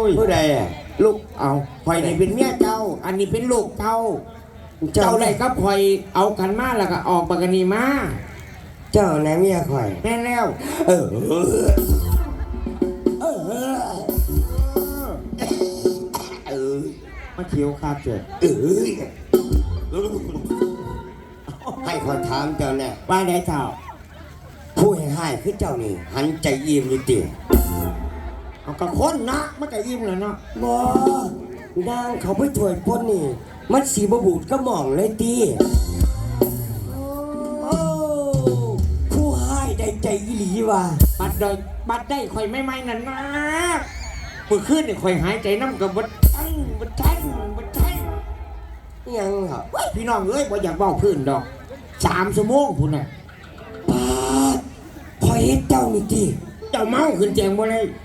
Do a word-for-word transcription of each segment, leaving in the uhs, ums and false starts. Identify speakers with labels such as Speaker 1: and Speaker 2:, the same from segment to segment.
Speaker 1: ย
Speaker 2: ผู้ใดอ่ะลูกเอาข่อยนี่เป็นเมียเจ้าอันนี้เป็นลูกเจ้าเจ้าได้ก็ข่อยเอากันมาแล้วก็ออกปากนีมา
Speaker 1: เจ้าไหนเมียข่อย
Speaker 2: แม่แล้วเออเออเออมาเขียวคาเจ็ดเออ
Speaker 1: ให้ขอถามเจ้าเนี่ย
Speaker 2: ว่าได้เจ้า
Speaker 1: ผู้ให้ให้คือเจ้านี่หันใจยิ้มอยู่ติ
Speaker 2: เอากระค้นนะมันก็ยิ้มแล้วเนาะ
Speaker 1: บ่นางเขาไปช่วยพ้นนี่มันสีบบูดก็มองเลยตีโอ้ผู้ให้ได้ใจอีหลีว่ะ
Speaker 2: บัดได้บัดได้ข่อยไม่ไม่นั่นนะมือขึ้นเนี่ยข่อยหายใจน้ำกับบัดทั้งบัดทั้งบัดทั้ง
Speaker 1: ยังเหรอ
Speaker 2: พี่น้องเอ้ยบ่อยากบอกพื้นดอกสามชั่วโมงพุ่นน่ะ
Speaker 1: ป้าพอเห็นเจ้านี่ตี
Speaker 2: เจ้าเมาขึ้นแจงบ่เลย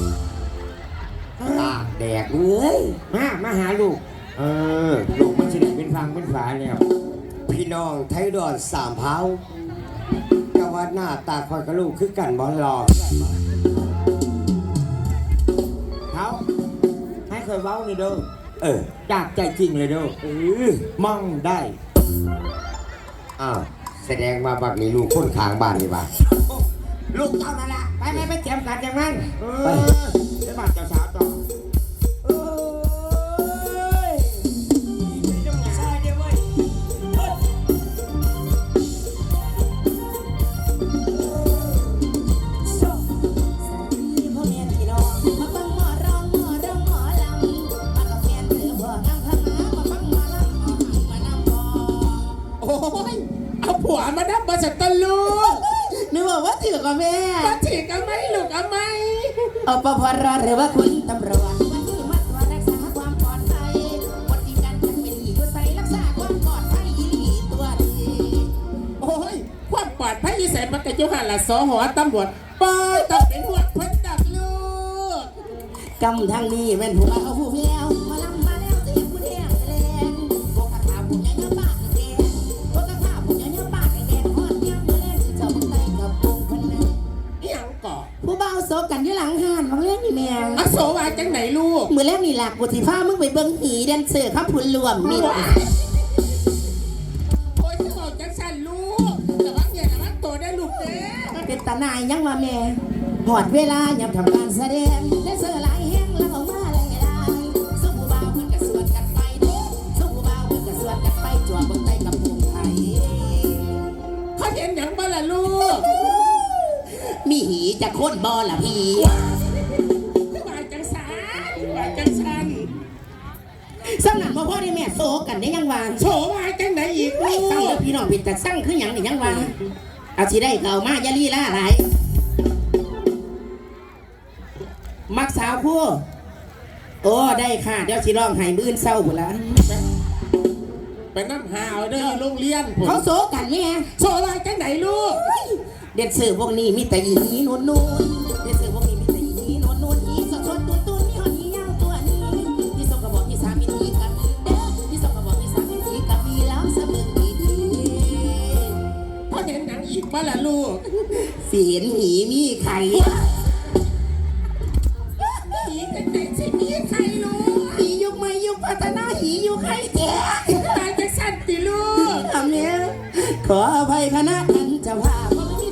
Speaker 1: ตากแดกเลย
Speaker 2: มามาหาลูกเออลูกมันจะได้เป็นฟังเป็นฝาแล้ว
Speaker 1: พี่น้องไทยดอนสามเผาก็ว่าหน้าตาคอยกับลูกคือกันบอลรอ
Speaker 2: เขาให้เคยเว้านี่เด้อ
Speaker 1: เออ
Speaker 2: จากใจจริงเลยเด้อ
Speaker 1: เออ
Speaker 2: มองได้
Speaker 1: อ้าวแสดงว่าบักนี้ลูกคนขางบ้านนี่บ้า
Speaker 2: ลูกเจ้านั่นแหละไปไปไปเจ็บกันอย่างนั้นไปไปบ้านเจ้าสาวต่อผัวมาดับมาจากตะลูก
Speaker 3: นึกว่าถือกับแม่
Speaker 2: มาถือกับไม่ลูกกับไม่
Speaker 3: เอาปภรหรือว่าคุณตำรวจวันที่มาตรวจรักษาความปลอดภัยวันที่การเป็นหลีกใส่รักษาความปลอดภัยอีหลีตัวดี
Speaker 2: โอ้ยความปลอดภัยยี่แสนมันก็จะหันละสอหัวตำรวจปอยต้องเป็นหัวเพิ่นดักลูก
Speaker 3: กำทางนี้แม่นผัวเอาผู้แพ้วมาลำมาแล้วเสียผู้แทงแรงพวกกระถาผู้ใหญ่เงาปากแดงพวกกระถาผู้ใหญ่เงาปากแดงฮอดย่ำมาเล่นสิเจ้ามึงไต่กับวงคนนึง
Speaker 2: ยังก่อ
Speaker 3: ผู้เบาโซกันอยู่หลังห้านบางเรื่องนี่แม่
Speaker 2: อโศวาจังไหนลูก
Speaker 3: มือแรกนี่หลักบุตรฟ้ามึงไปเบิ้งหีแดนเซอร์ข้าพุนรวมมี
Speaker 2: โอ้ยจะบอกจังสันลูกแต่ว่าอย่าละตัวได้ลูกเด้
Speaker 3: เป็นตาหนายยังว่าแม่หอดเวลายับทำการแสดงแดนเซอร์หลายแห้งแล้วออกมาหลายหลายสู้ผู้เบาเพิ่นกระสวนกันไปเด้สู้ผู้เบาเพิ่นกระสวนกันไปจั่วเบิ้งไต่กับวงไทย
Speaker 2: เขาเห็นอย่างบ้าล่ะลูก
Speaker 3: มีหีจะโค่นบอล่ะพี่
Speaker 2: วายจังสันวายจังสัน
Speaker 3: สำนักพ่อพ่อได้แม่โซกันได้ยังวาง
Speaker 2: โซวายจังไหนอีกลูก
Speaker 3: สั่งพี่น้องเป็นแต่สั่งคือหยังนี่ยังวางเอาสิได้เก่ามายาลีล่าไรมักสาวคู่โอ้ได้ค่ะเดี๋ยวสิร้องไห้มื้อเศร้าหมดละ
Speaker 2: ไปน้ำหาวเด้อโรงเรียน
Speaker 3: เขาโซกันไง
Speaker 2: โซวายจังไหนลูก
Speaker 3: เด็ดเสือพวกนี้มีแต่อีนีนุ่นนุ่นเด็ดเสือพวกนี้มีแต่อีนีนุ่นนุ่นอีสดสดตุนตุนมีหอนียาวตัวนี้ที่สกบอกที่สามมีทีกันเด้อที่สกบอกที่สามมีทีกันมีแล้วเสมอดีดี
Speaker 2: พอเห็นหนังอีกบ้าล่ะลูก
Speaker 3: เสียนหีมีไข่
Speaker 2: หีกันไหนสิมีไข่ลูก
Speaker 3: หียุคใหม่ยุคพัฒนาหียุคไข่แก่
Speaker 2: ตายจะสั่นติลูก
Speaker 3: ทำเนี้ยขออภัยคณะท่านเจ้าภาพ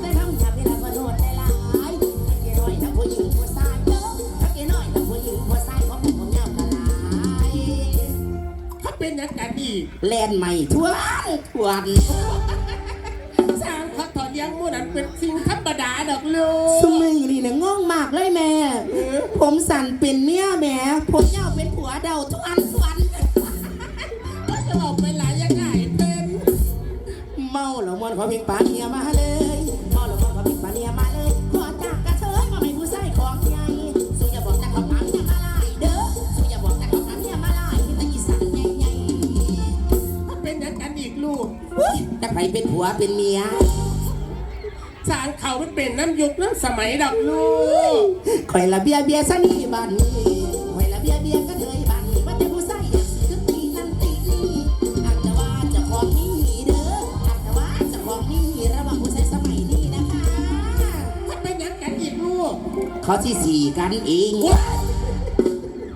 Speaker 2: เป็นนักการดี
Speaker 3: แลนใหม่ทวนทวน
Speaker 2: สร้างเขาถอดยังมู่นั้นเป็นสิ่งธรรมดาดอกลูก
Speaker 3: สมัยนี่นะง่องมากเลยแม่ผมสั่นเป็นเมียแม่ผมเจ้าเป็นผัวเดาทวนทวน
Speaker 2: ก็จะออกไปหลายยังไงเป็น
Speaker 3: เมาหลงมวนขอเพียงปาเนียมาเลยเมาหลงมวนขอเพียงปาเนียมาเลยขอจากกระเทยมาไม่ผู้ใส่ของใหญ่สุอย่าบอกจากคำถามเนี่ยมาไล่เด้อสุอย่าบอกจากคำถามเนี่ยมาไล่แต่อีสันใหญ่
Speaker 2: ๆเป็นนักการอีกลูก
Speaker 3: จะไปเป็นผัวเป็นเมีย
Speaker 2: สารเขามันเป็นน้ำยุคน้ำสมัยดอกลูก
Speaker 3: คอยละเบียเบียซะนี่บ้านนี้คอยละเบียเบียก็เถยบ้านนี้ว่าแต่ผู้ใส่คือตีนั่นตีนี่อาจจะว่าจะของนี่เด้ออาจจะว่าจะของนี่ระหว่างผู้ใส่สมัยนี้นะคะ
Speaker 2: ถ้าเป็นนักการอีกลูก
Speaker 3: เขาที่สี่กันเอง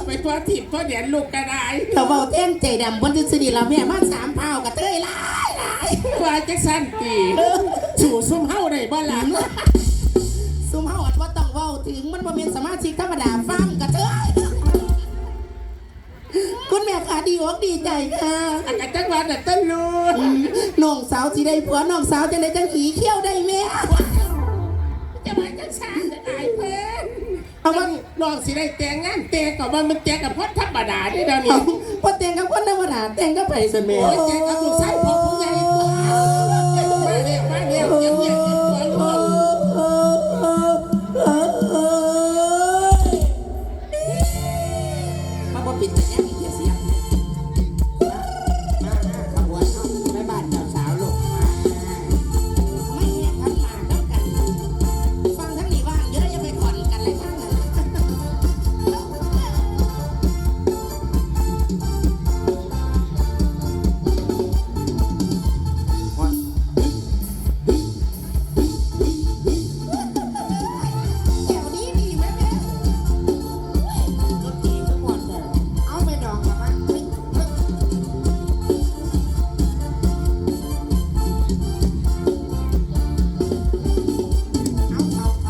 Speaker 2: ไปตัวถีบตัวเดียนลูกกระได
Speaker 3: เราเบาเต้นใจดำบนทฤษฎีเราแม่มาสามเผากับเต้ยหลายหลาย
Speaker 2: ว่าจะสั้นตีสู่ซุ่มเฮาได้บ้านหลัง
Speaker 3: ซุ่มเฮาอัดว่าต้องเว้าถึงมันบ่เป็นสมาชิกธรรมดาฟังกับเต้ยคุณแม่ขาดีอกดีใจค่ะ
Speaker 2: อากาศจังหวัดน่ะต้นรูน
Speaker 3: น้องสาวสิได้ผัวน้องสาวจะได้จังหีเขี้ยวได้แม่
Speaker 2: จะมาจังสานจะได้เพิ่น
Speaker 3: เอา
Speaker 2: เอา
Speaker 3: มั
Speaker 2: มัน นลองสิได้แต่งงานแต่งกับมันมันแต่งกับพ่อธรรมดาได้เดี๋ยวนี้
Speaker 3: เอาพอแต่งกับคนธรรมดาแต่งกับไผซั่นแม่
Speaker 2: โอ้ยแต่งกับลูกชายพ่อผู้ใหญ่มาเร็วมาเร็วเยี่ยมเยี่ยมเยี่ยมเยี่ยม
Speaker 3: มาบ่ปิดแต่แย่อีกเสียงมามาขบวนเฮาไปบ้านเจ้าสาวลูกมาไม่แย่ทันมาแล้วกันฟังทั้งนี้ว่างเดี๋ยวเราจะไปขอนกันเลยทั้งนั้น แถวนี้ดีไหมแม่รถดีทั้งหมดเลยเอาไปดองกับมันเฮ้ยเฮ้ยเอาเอาเอา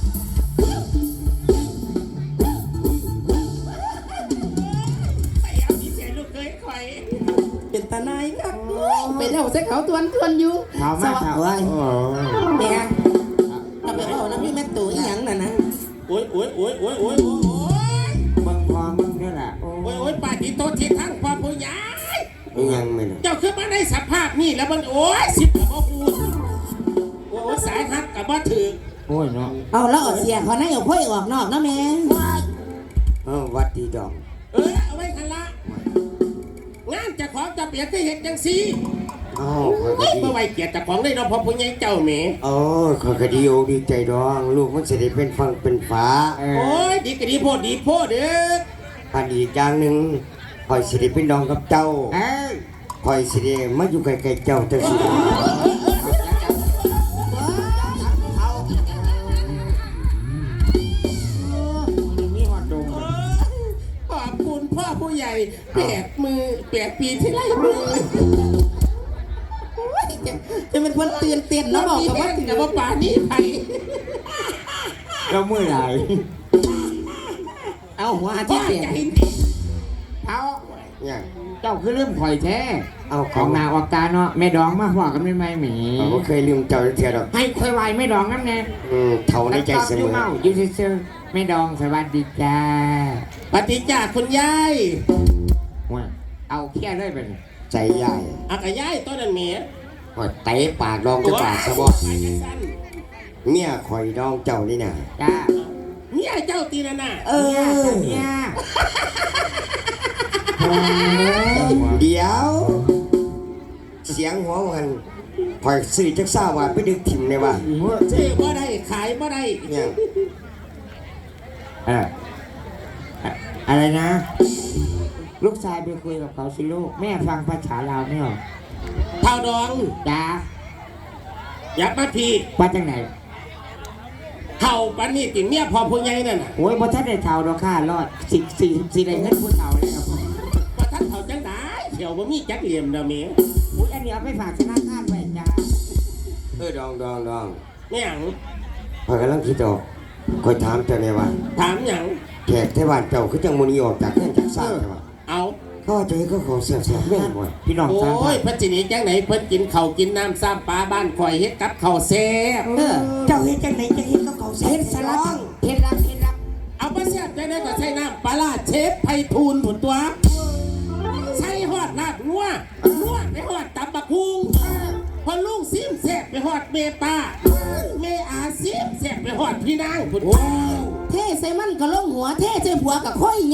Speaker 2: ไปเอาที่เสียลูกเคยคอย
Speaker 3: เป็นตาหนายครับไปเล่าใส่เขาตวนตวนอยู่
Speaker 2: ถามมาถามว่า
Speaker 3: แม่ก็ไปเอาน้ำพี่แม่ตู่อีหยังน่ะนะ
Speaker 2: โอ้ยโอ้ยโอ้ยโอ้ยโอ้ยโอ้ย
Speaker 4: มึงพอมึงนี่แหละโอ้
Speaker 2: โอ้ยโอ้ยป่าที่โตที่ทั้งพ่อผู้ใหญ่
Speaker 1: ยังไม่นะ
Speaker 2: เจ้าคือมาในสภาพนี่แล้วมันโอ้ยสิบกับบ่ฮู้โอ้ยสายฮักกับบ่ถือ
Speaker 4: โอ้ยเนาะ
Speaker 3: เอาแล้วเอาเสียเขาในเอาพ่อยออกนอกนะแม่
Speaker 1: เออวัดดีดอง
Speaker 2: เออเอาไว้คันละงานเจะของจะเปลี่ยนก็เห็นจังซี่
Speaker 1: อ๋อคอยก็
Speaker 2: เฮ้ย
Speaker 1: ดี
Speaker 2: เมื่อไหร่เกียรติเจ้าของได้เนาะพ่อผู้ใหญ่เจ้าแหม
Speaker 1: โอ้คอยก็ดีโอดีใจดอง ลูกมันจะได้เป็นฟังเป็นฟ้า
Speaker 4: เอ
Speaker 2: โอ้
Speaker 4: อย
Speaker 2: ดีก็ดีโพดดีโพดเด้อ
Speaker 1: อันอีกอย่างหนึ่งคอยสิได้เป็นน้องกับเจ้า
Speaker 4: เอ้ย
Speaker 1: คอยสิได้มาอยู่ใกล้ๆเจ้าจังสิ
Speaker 4: มีหอดดง
Speaker 2: ขอบคุณพ่อผู้ใหญ่แปดมือแปดปีที่ไล่มือ
Speaker 3: จะเป็นคนเตือนเตือนนะบอกกับว่า
Speaker 2: กับว่าป่านี้ไป
Speaker 4: เราเมื่อไหร่
Speaker 3: เอาหัว
Speaker 2: พ่
Speaker 3: ที่
Speaker 2: อ
Speaker 3: เปลี่ยน
Speaker 2: ใจดี
Speaker 4: เอา
Speaker 1: เนี่ย
Speaker 4: เจ้าคือเริ่มข่อยแท้
Speaker 1: เอาข
Speaker 4: ข
Speaker 1: อ
Speaker 4: อง งนาออกตาเนาะแม่ดองมาหัวกันไม่ไม่หมี
Speaker 1: เราก็เคยลืมเจ้าเทียดอก
Speaker 4: ให้ค่อยไหวแม่ดองน้ำแน่
Speaker 1: อืมเท่าในใจเส
Speaker 4: ยู่
Speaker 1: มอ
Speaker 4: เมาอยู่เฉยๆแม่ดองสวัสดีจ้า
Speaker 2: ปฏิจจาคุณยาย
Speaker 4: ว่าเอาเขี้ยเลยเป็น
Speaker 1: ใจใหญ่
Speaker 2: อากายายต้นนั้นเมีย
Speaker 1: คอยเตะปากดองจะปากสะบอ
Speaker 2: ไปจังสัน
Speaker 1: เมียคอยดองเจ้านี่น่ะ
Speaker 4: จ้า
Speaker 2: เนี่ยเจ้าตีนะน่ะ
Speaker 3: เอ
Speaker 4: เนี่ย
Speaker 3: อ
Speaker 4: เนี่ย
Speaker 1: เดี๋ยว เสียงหัวมันคอยสื่อจักซ่าว่าไปดึกถิ่มเลยว่า
Speaker 2: ซื้อบ่ได้ขายบ่ได้
Speaker 1: เนี่ย
Speaker 4: เอออะอะไรนะ ลูกชายไปคุยกับเขาสิลูกแม่ฟังภาษาลาวไม่ออก
Speaker 2: เท่าดอง
Speaker 4: จ้า
Speaker 2: อยากมาพี่
Speaker 4: ว่าจังไหน
Speaker 2: เท่าปันนี่ติเมียพอผู้ใหญ่นั่นน่ะ
Speaker 4: โอ้ยบ่ทันได้เท่าดอกค่ารอดสิสี่สี่ได้เงินผู้เท่าเลยครับ
Speaker 2: ว่าท่านเท่าจังได้เขียวบ่มีจักเหลี่ยมเด้อเมีย
Speaker 4: อุ้ยอันนี้เอาไปฝากธนาคารไว้จ้า
Speaker 1: เออดองดองดอง
Speaker 2: แม่หยัง
Speaker 1: คอยกำลังคิดออกคอยถามเจ้าเนี่ยว่า
Speaker 2: ถามหยัง
Speaker 1: แขกเทวานเจ้าคือจังมุนีออกจากเงื่อนจากซ่าใช่ปะ
Speaker 2: เอา
Speaker 1: เขาว่าจะให้เขาของเสียเสียแม่นบ่
Speaker 4: พี่น้อง
Speaker 2: โอ้
Speaker 4: ทางบ้าย น
Speaker 2: เพิ่นสิหนีจังไหนเพิ่นกินข้าวกินน้ำซ้ำปลาบ้านข่อยเฮ็ดกับข้าวแซ่บ
Speaker 3: เออเจ้าเฮ็ดจังไหนจะเฮ็ดกับเขาเฮ็ดสารพัดเฮ็ดรับเฮ็ดรับ
Speaker 2: เอาบ่แซ่บจังได๋ก็ใส่น้ำปลาร้าเชฟไผทูลผุนตัว ใส่ฮอดลาบงัวงัวไปฮอดตับบักฮุงพอลุงซิมแซ่บไปฮอดเมตาเมอาซิมแซ่บไปฮอดพี่นางพุ่น
Speaker 3: เท่ใส่มันก็ลงหัวเท่ใส่ผัวกับค่อยใหญ่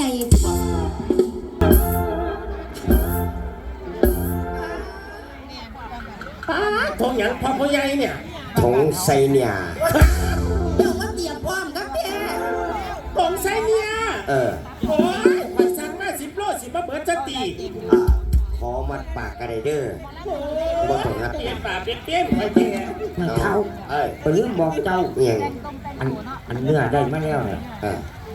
Speaker 2: อ้าทงหยังพ่อผู้ใหญ่เนี่ย
Speaker 1: ของไซเนี่ย
Speaker 3: เดี๋ยวมาเตรียมพร้อมกับแม่
Speaker 2: ของไสเนี่ย
Speaker 1: เออ
Speaker 2: โอ้ยข่อยสั่งมาสิบโลสิบ่เบิดจะตี
Speaker 1: อ่าขอมัดปากกระไดเดอร์
Speaker 2: โอ้
Speaker 1: บ่ต้องรับ
Speaker 2: เปลี่ยนปากเปลี่ยนเปลี่ยนข่อยแก่
Speaker 4: เท่า
Speaker 1: เอ้ย
Speaker 4: ไปลืมบอกเจ้า
Speaker 1: เอียง
Speaker 4: อันอันเนื้อได้มาแล้วเนี่ย
Speaker 1: เออ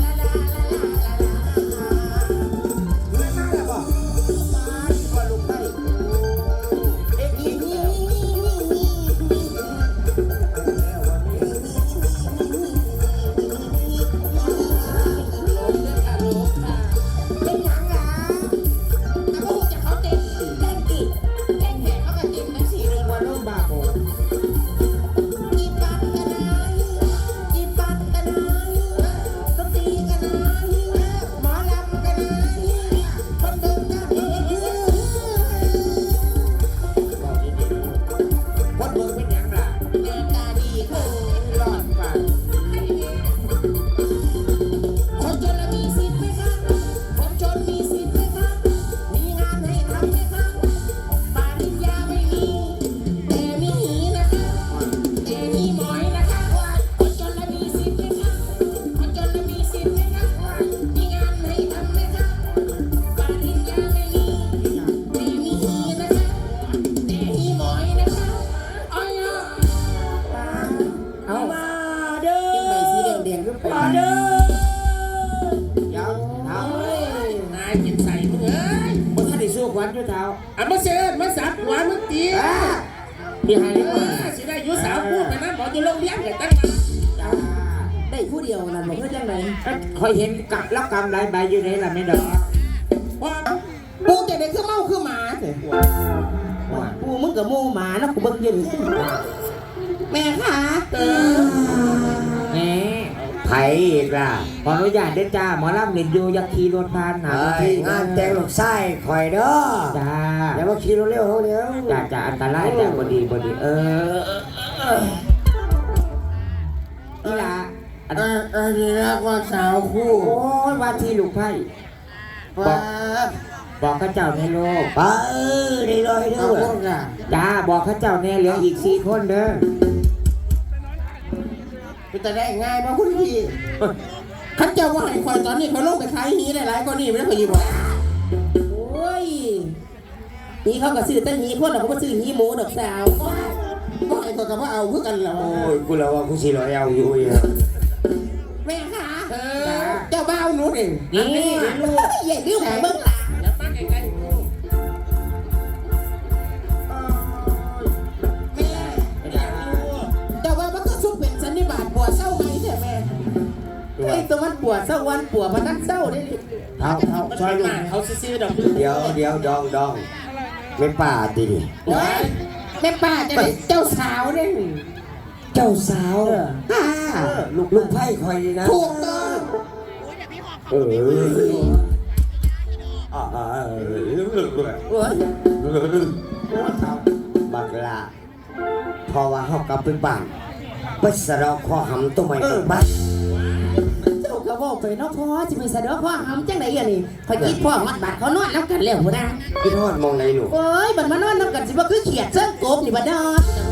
Speaker 2: อ่ะมาเชิญมาสับหัวมึงตี
Speaker 4: พี่ให้
Speaker 2: เอ
Speaker 4: ได้ก่อน
Speaker 2: อสิได้อยุสาวพูดไปนั้นบอกอยู่โรงเรียนกันตั้งมา
Speaker 4: จ้า
Speaker 3: ได้ผู้เดียวนั่นบอกเพื่อจังไหน
Speaker 4: คอยเห็นกับรับกรรมหลายใบอยู่ไหนล่ะไม่ดอก
Speaker 2: พอ
Speaker 3: ปูจะได้คือเมาคือหมาเถอะปูมึงกับมูหมานะกูเบิ่งยืนแม่ค่ะ
Speaker 2: เออ
Speaker 4: แหม
Speaker 1: ไผ่อีกล่ะ
Speaker 4: ขออนุญาตเด้อจ้าหมอลำเล่นอยู่อยักขี่รถผ่านหา
Speaker 1: เอ้ย
Speaker 4: ที่
Speaker 1: งานแต่งลูกไส้คอยเด้อ
Speaker 4: จ้า
Speaker 1: อย่ามาขี่เร็วๆเขาเดี๋ยว
Speaker 4: จ้าจ้าอันตรายแต่บดีบดีเออนี่ล่ะอัน
Speaker 1: เออเออนี่นะว่าสาวคู่
Speaker 4: โอ้ยว่าที่ลูกไพ่บอกบอกข้าเจ้าในโลก
Speaker 1: ป้าเออได้เลยเด้อ
Speaker 4: จ้าบอกข้าเจ้าแน่เหลืออีกสี่คนเด้อ
Speaker 3: จะได้ง่ายมาคุณพี่ขันเจ้าว่าให้คอยตอนนี้เขาลงไปขายหีได้หลายก็นี่ไม่ได้พอดีบอกโอ้ยนี่เขาก็ซื้อแต่หีคนเราก็มาซื้อหีหมูดอกสาวว่าให้เขาก็ว่าเอาเพื่อกันแล้ว
Speaker 1: โอ้ยกูแล้วว่ากูสิรอเอาอยู่อ่ะ
Speaker 3: แม่ค่ะเจ้าบ้าวหนูเอง
Speaker 4: นี่
Speaker 3: อย่าดื้อของเบิ้งหลัง
Speaker 2: อย่ามาใกล้ๆกู
Speaker 3: แม่เจ้าว่ามันก็ซุปเป็นสันนิบาตปวดเศร้าไหมใช่แม่ไอ้ตัวมันปวดเศร้าวันปวดมันนั่งเศร้าได้ดิ
Speaker 1: เท้าเท้า
Speaker 2: มัน
Speaker 1: ช่วย
Speaker 2: เป็น
Speaker 1: ลู
Speaker 2: ห
Speaker 1: ก
Speaker 2: มาเขาซื้อๆดอก
Speaker 1: เดี๋ยวเดี๋ยวดองดองเป็นป่าดิดิ
Speaker 3: แม่ป้าจะได้เจ้าสาวได้
Speaker 1: เจ้าสาวอ่าลูกลูกไพ่คอยดีนะ
Speaker 3: ถูกต้อง
Speaker 1: เอออ่าอ่าเออ
Speaker 3: โอ้ย
Speaker 1: บักละพอว่าเฮากลับไปบ้านไปสะเดอกข้อหำตัวใหม่ตัวบ้าน
Speaker 3: เจ้าก็บอกไปเนาะพ่อจะไปสะดอกพ่อหำจังไหนอ่ะนี่พอคิดพ่อมัดบาดเขานอนแล้วกันแล้วหัวหน้า
Speaker 1: พี่ทอดมองไหนหนู
Speaker 3: โอ้ยบัดมานอนน้ำกันสิว่าคือเขียดเส้นกบนี่บัดดอ